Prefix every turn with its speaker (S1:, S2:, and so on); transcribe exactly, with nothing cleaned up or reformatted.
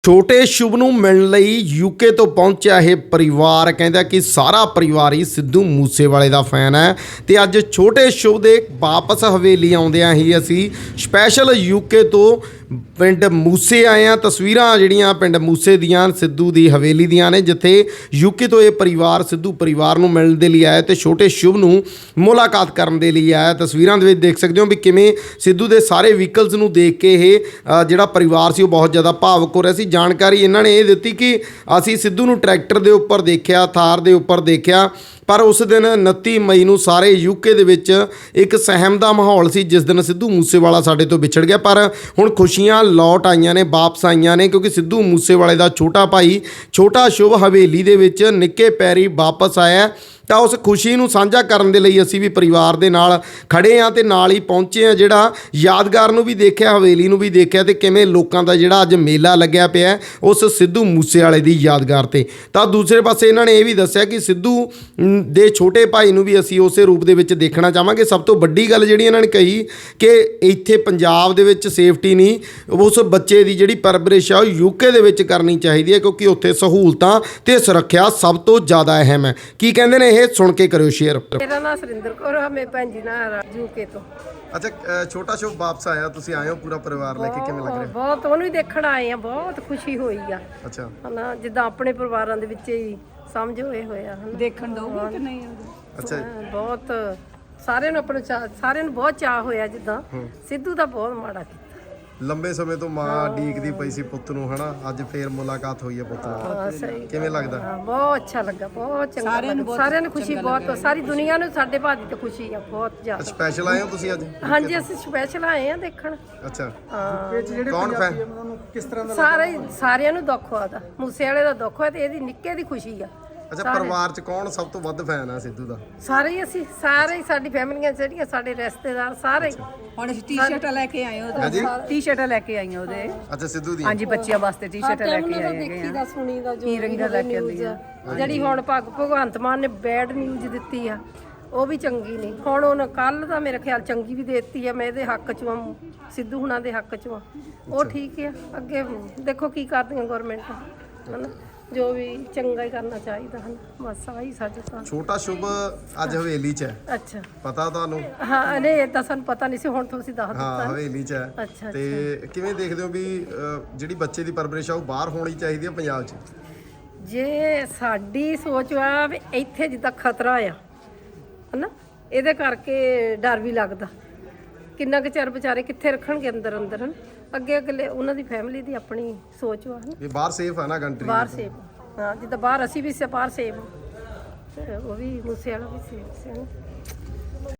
S1: ਛੋਟੇ ਸ਼ੁਭ ਨੂੰ ਮਿਲਣ ਲਈ ਯੂਕੇ ਤੋਂ ਪਹੁੰਚਿਆ ਇਹ ਪਰਿਵਾਰ ਕਹਿੰਦਾ ਕਿ ਸਾਰਾ ਪਰਿਵਾਰ ਹੀ ਸਿੱਧੂ ਮੂਸੇਵਾਲੇ ਦਾ ਫੈਨ ਹੈ ਤੇ ਅੱਜ ਛੋਟੇ ਸ਼ੁਭ ਦੇ ਵਾਪਸ ਹਵੇਲੀ ਆਉਂਦਿਆਂ ਹੀ ਅਸੀਂ ਸਪੈਸ਼ਲ ਯੂਕੇ ਤੋਂ ਪਿੰਡ ਮੂਸੇ ਆਏ ਆ। ਤਸਵੀਰਾਂ ਜਿਹੜੀਆਂ ਪਿੰਡ ਮੂਸੇ ਦੀਆਂ ਸਿੱਧੂ ਦੀ ਹਵੇਲੀ ਦੀਆਂ ਨੇ, ਜਿੱਥੇ ਯੂਕੇ ਤੋਂ ਇਹ ਪਰਿਵਾਰ ਸਿੱਧੂ ਪਰਿਵਾਰ ਨੂੰ ਮਿਲਣ ਦੇ ਲਈ ਆਇਆ ਤੇ ਛੋਟੇ ਸ਼ੁਭ ਨੂੰ ਮੁਲਾਕਾਤ ਕਰਨ ਦੇ ਲਈ ਆਇਆ। ਤਸਵੀਰਾਂ ਦੇ ਵਿੱਚ ਦੇਖ ਸਕਦੇ ਹੋ ਵੀ ਕਿਵੇਂ ਸਿੱਧੂ ਦੇ ਸਾਰੇ ਵਹੀਕਲਸ ਨੂੰ ਦੇਖ ਕੇ ਇਹ ਅ, ਜਿਹੜਾ ਪਰਿਵਾਰ ਸੀ ਉਹ ਬਹੁਤ ਜ਼ਿਆਦਾ ਭਾਵੁਕ ਹੋ ਰਿਹਾ ਸੀ। ਜਾਣਕਾਰੀ ਇਹਨਾਂ ਨੇ ਇਹ ਦਿੱਤੀ ਕਿ ਅਸੀਂ ਸਿੱਧੂ ਨੂੰ ਟਰੈਕਟਰ ਦੇ ਉੱਪਰ ਦੇਖਿਆ, ਥਾਰ ਦੇ ਉੱਪਰ ਦੇਖਿਆ, ਪਰ ਉਸ ਦਿਨ ਉਨੱਤੀ ਮਈ ਨੂੰ ਸਾਰੇ ਯੂਕੇ ਦੇ ਵਿੱਚ ਇੱਕ ਸਹਿਮ ਦਾ ਮਾਹੌਲ ਸੀ ਜਿਸ ਦਿਨ ਸਿੱਧੂ ਮੂਸੇਵਾਲਾ ਸਾਡੇ ਤੋਂ ਵਿਛੜ ਗਿਆ। ਪਰ ਹੁਣ ਖੁਸ਼ੀਆਂ ਲੌਟ ਆਈਆਂ ਨੇ, ਵਾਪਸ ਆਈਆਂ ਨੇ, ਕਿਉਂਕਿ ਸਿੱਧੂ ਮੂਸੇਵਾਲੇ ਦਾ ਛੋਟਾ ਭਾਈ ਛੋਟਾ ਸ਼ੁਭ ਹਵੇਲੀ ਦੇ ਵਿੱਚ ਨਿੱਕੇ ਪੈਰੀ ਵਾਪਸ ਆਇਆ। ਤਾਂ ਉਸ ਖੁਸ਼ੀ ਨੂੰ ਸਾਂਝਾ ਕਰਨ ਦੇ ਲਈ ਅਸੀਂ ਵੀ ਪਰਿਵਾਰ ਦੇ ਨਾਲ ਖੜੇ ਹਾਂ ਤੇ ਨਾਲ ਹੀ ਪਹੁੰਚੇ ਹਾਂ। ਜਿਹੜਾ ਯਾਦਗਾਰ ਨੂੰ ਵੀ ਦੇਖਿਆ, ਹਵੇਲੀ ਨੂੰ ਵੀ ਦੇਖਿਆ ਤੇ ਕਿਵੇਂ ਲੋਕਾਂ ਦਾ ਜਿਹੜਾ ਅੱਜ ਮੇਲਾ ਲੱਗਿਆ ਪਿਆ ਉਸ ਸਿੱਧੂ ਮੂਸੇਵਾਲੇ ਦੀ ਯਾਦਗਾਰ ਤੇ। ਤਾਂ ਦੂਸਰੇ ਪਾਸੇ ਇਹਨਾਂ ਨੇ ਇਹ ਵੀ ਦੱਸਿਆ ਕਿ ਸਿੱਧੂ ਦੇ ਛੋਟੇ ਭਾਈ ਨੂੰ ਵੀ ਅਸੀਂ ਉਸੇ ਰੂਪ ਦੇ ਵਿੱਚ ਦੇਖਣਾ ਚਾਹਾਂਗੇ। ਸਭ ਤੋਂ ਵੱਡੀ ਗੱਲ ਜਿਹੜੀ ਇਹਨਾਂ ਨੇ ਕਹੀ ਕਿ ਇੱਥੇ ਪੰਜਾਬ ਦੇ ਵਿੱਚ ਸੇਫਟੀ ਨਹੀਂ, ਉਸ ਬੱਚੇ ਦੀ ਜਿਹੜੀ ਪਰਵਰਿਸ਼ ਆ ਉਹ ਯੂਕੇ ਦੇ ਵਿੱਚ ਕਰਨੀ ਚਾਹੀਦੀ ਹੈ, ਕਿਉਂਕਿ ਉੱਥੇ ਸਹੂਲਤਾਂ ਤੇ ਸੁਰੱਖਿਆ ਸਭ ਤੋਂ ਜ਼ਿਆਦਾ ਅਹਿਮ ਹੈ। ਕੀ ਕਹਿੰਦੇ ਨੇ ਇਹ ਸੁਣ ਕੇ ਕਰਿਓ ਸ਼ੇਅਰ।
S2: ਮੇਰਾ ਨਾਮ ਸੁਰਿੰਦਰ ਕੌਰ ਆ, ਮੈਂ ਭੈਣ ਜੀ ਨਾਲ ਯੂਕੇ ਤੋਂ।
S1: ਅੱਛਾ, ਛੋਟਾ ਸ਼ੁਭ ਵਾਪਸ ਆਇਆ, ਤੁਸੀਂ ਆਏ ਹੋ ਪੂਰਾ ਪਰਿਵਾਰ ਲੈ ਕੇ, ਕਿਵੇਂ ਲੱਗ ਰਿਹਾ?
S2: ਬਹੁਤ ਉਹਨੂੰ ਹੀ ਦੇਖਣ ਆਏ ਆ, ਬਹੁਤ ਖੁਸ਼ੀ ਹੋਈ ਆ।
S1: ਅੱਛਾ,
S2: ਹਨਾ ਜਿੱਦਾਂ ਆਪਣੇ ਪਰਿਵਾਰਾਂ ਦੇ ਵਿੱਚ ਹੀ ਸਮਝ ਹੋਏ ਹੋਇਆ ਹਨ।
S3: ਦੇਖਣ ਦਊਗੀ ਕਿ ਨਹੀਂ?
S1: ਅੱਛਾ,
S2: ਬਹੁਤ ਸਾਰਿਆਂ ਨੂੰ ਆਪਣੇ ਚਾਅ- ਸਾਰਿਆਂ ਨੂੰ ਬਹੁਤ ਚਾਅ ਹੋਇਆ। ਜਿੱਦਾਂ ਸਿੱਧੂ ਦਾ ਬਹੁਤ ਮਾੜਾ ਕੀਤਾ।
S1: ਲੰਬੇ ਸਮੇਂ ਤੋਂ ਮਾਂ ਡੀਕਦੀ ਪਈ ਸੀ ਪੁੱਤ ਨੂੰ, ਹਨਾ ਅੱਜ ਫੇਰ ਮੁਲਾਕਾਤ ਹੋਈ ਹੈ ਪੁੱਤ ਨਾਲ,
S2: ਹਾਂ, ਸਹੀ।
S1: ਕਿਵੇਂ ਲੱਗਦਾ?
S2: ਹਾਂ, ਬਹੁਤ ਅੱਛਾ ਲੱਗਾ, ਬਹੁਤ ਚੰਗਾ ਲੱਗਾ। ਸਾਰਿਆਂ ਨੂੰ ਖੁਸ਼ੀ ਬਹੁਤ, ਸਾਰੀ ਦੁਨੀਆ ਨੂੰ ਸਾਡੇ ਭਾਜੀ ਤੇ ਖੁਸ਼ੀ ਆ ਬਹੁਤ ਜ਼ਿਆਦਾ।
S1: ਸਪੈਸ਼ਲ ਆਏ ਹੋ ਤੁਸੀਂ ਅੱਜ?
S2: ਹਾਂਜੀ, ਅਸੀਂ ਸਪੈਸ਼ਲ ਆਏ ਆ ਦੇਖਣ।
S1: ਅੱਛਾ,
S2: ਹਾਂ,
S1: ਕੌਣ ਫੈਨ?
S4: ਕਿਸ ਤਰ੍ਹਾਂ ਦਾ
S2: ਸਾਰੇ ਸਾਰਿਆਂ ਨੂੰ ਦੁੱਖ ਹੋਇਆ, ਮੂਸੇ ਵਾਲੇ ਦਾ ਦੁੱਖ ਹੋਇਆ ਤੇ ਇਹਦੀ ਨਿੱਕੇ ਦੀ ਖੁਸ਼ੀ ਆ।
S1: ਅੱਛਾ, ਪਰਿਵਾਰ ਚ ਕੌਣ ਸਭ ਤੋਂ ਵੱਧ ਫੈਨ ਆ ਸਿੱਧੂ ਦਾ?
S2: ਸਾਰੇ ਹੀ ਅਸੀਂ, ਸਾਰੇ ਹੀ ਸਾਡੀ ਫੈਮਲੀਆਂ ਜਿਹੜੀਆਂ, ਸਾਡੇ ਰਿਸ਼ਤੇਦਾਰ ਸਾਰੇ ਹੀ।
S3: ਹੁਣ ਅਸੀਂ ਟੀ-ਸ਼ਰਟਾਂ ਲੈ ਕੇ ਆਏ ਉਹਦੇ, ਟੀ-ਸ਼ਰਟਾਂ ਲੈ ਕੇ ਆਈਆਂ ਉਹਦੇ।
S1: ਅੱਛਾ, ਸਿੱਧੂ ਦੀ?
S3: ਹਾਂਜੀ, ਬੱਚਿਆਂ ਵਾਸਤੇ ਟੀ-ਸ਼ਰਟਾਂ ਲੈ ਕੇ ਆਏ
S2: ਦੇਖੀ
S3: ਹੈਗੇ
S2: ਦਾ
S3: ਆ।
S2: ਸੁਣੀ ਦਾ ਜੋ
S3: ਕੀ ਰੰਗਾਂ ਲੈ ਕੇ ਆਉਂਦੀ ਆ।
S2: ਜਿਹੜੀ ਹੁਣ ਭਗ ਭਗਵੰਤ ਮਾਨ ਨੇ ਬੈਡ ਨਿਊਜ਼ ਦਿੱਤੀ ਆ, ਉਹ ਵੀ ਚੰਗੀ ਨਹੀਂ। ਹੁਣ ਉਹਨੇ ਕੱਲ ਦਾ ਮੇਰੇ ਖਿਆਲ ਚੰਗੀ ਵੀ ਦੇ ਦਿੱਤੀ ਆ। ਮੈਂ ਇਹਦੇ ਹੱਕ 'ਚ ਆ, ਸਿੱਧੂ ਹੁਣਾਂ ਦੇ ਹੱਕ 'ਚ ਆ, ਉਹ ਠੀਕ ਆ। ਅੱਗੇ ਦੇਖੋ ਕੀ ਕਰਦੀਆਂ ਗਵਰਨਮੈਂਟ, ਹਨਾ ਜੋ ਵੀ ਚੰਗਾ ਹੀ ਕਰਨਾ ਚਾਹੀਦਾ ਹਨ। ਬਸ ਆਹੀ ਸਾਡੇ ਤਾਂ।
S1: ਛੋਟਾ ਸ਼ੁਭ ਅੱਜ ਹਵੇਲੀ ਚ ਹੈ,
S2: ਅੱਛਾ,
S1: ਪਤਾ ਤੁਹਾਨੂੰ?
S2: ਹਾਂ, ਨਹੀਂ ਏਦਾਂ ਸਾਨੂੰ ਪਤਾ ਨਹੀਂ ਸੀ, ਹੁਣ ਤੁਸੀਂ ਦੱਸ
S1: ਹਾਂ,
S2: ਦਿੱਤਾ।
S1: ਹਵੇਲੀ ਚ ਹੈ।
S2: ਅੱਛਾ,
S1: ਤੇ ਕਿਵੇਂ ਦੇਖਦੇ ਹੋ ਵੀ ਅ, ਜਿਹੜੀ ਬੱਚੇ ਦੀ ਪਰਵਰਿਸ਼ ਆ ਉਹ ਬਾਹਰ ਹੋਣੀ ਚਾਹੀਦੀ ਹੈ ਪੰਜਾਬ ਚ?
S2: ਜੇ ਸਾਡੀ ਸੋਚ ਆ ਵੀ ਇੱਥੇ ਜਿੱਦਾਂ ਖਤਰਾ ਆ ਹਨਾ, ਇਹਦੇ ਕਰਕੇ ਡਰ ਵੀ ਲੱਗਦਾ। ਕਿੰਨਾ ਕੁ ਚਿਰ ਵਿਚਾਰੇ ਕਿੱਥੇ ਰੱਖਣਗੇ ਅੰਦਰ ਅੰਦਰ ਹਨ। ਅੱਗੇ ਅਗਲੇ ਉਹਨਾਂ ਦੀ ਫੈਮਿਲੀ ਦੀ ਆਪਣੀ ਸੋਚ ਵਾ ਹਨਾ।
S1: ਵੀ ਬਾਹਰ ਸੇਫ ਹੈ ਨਾ ਕੰਟਰੀ?
S2: ਬਾਹਰ ਸੇਫ, ਹਾਂ, ਜਿੱਦਾਂ ਬਾਹਰ ਅਸੀਂ ਵੀ ਸੇ ਬਾਹਰ ਸੇਫ, ਤੇ ਉਹ ਵੀ ਮੂਸੇ ਵਾਲਾ ਵੀ ਸੇਫ ਸੀ।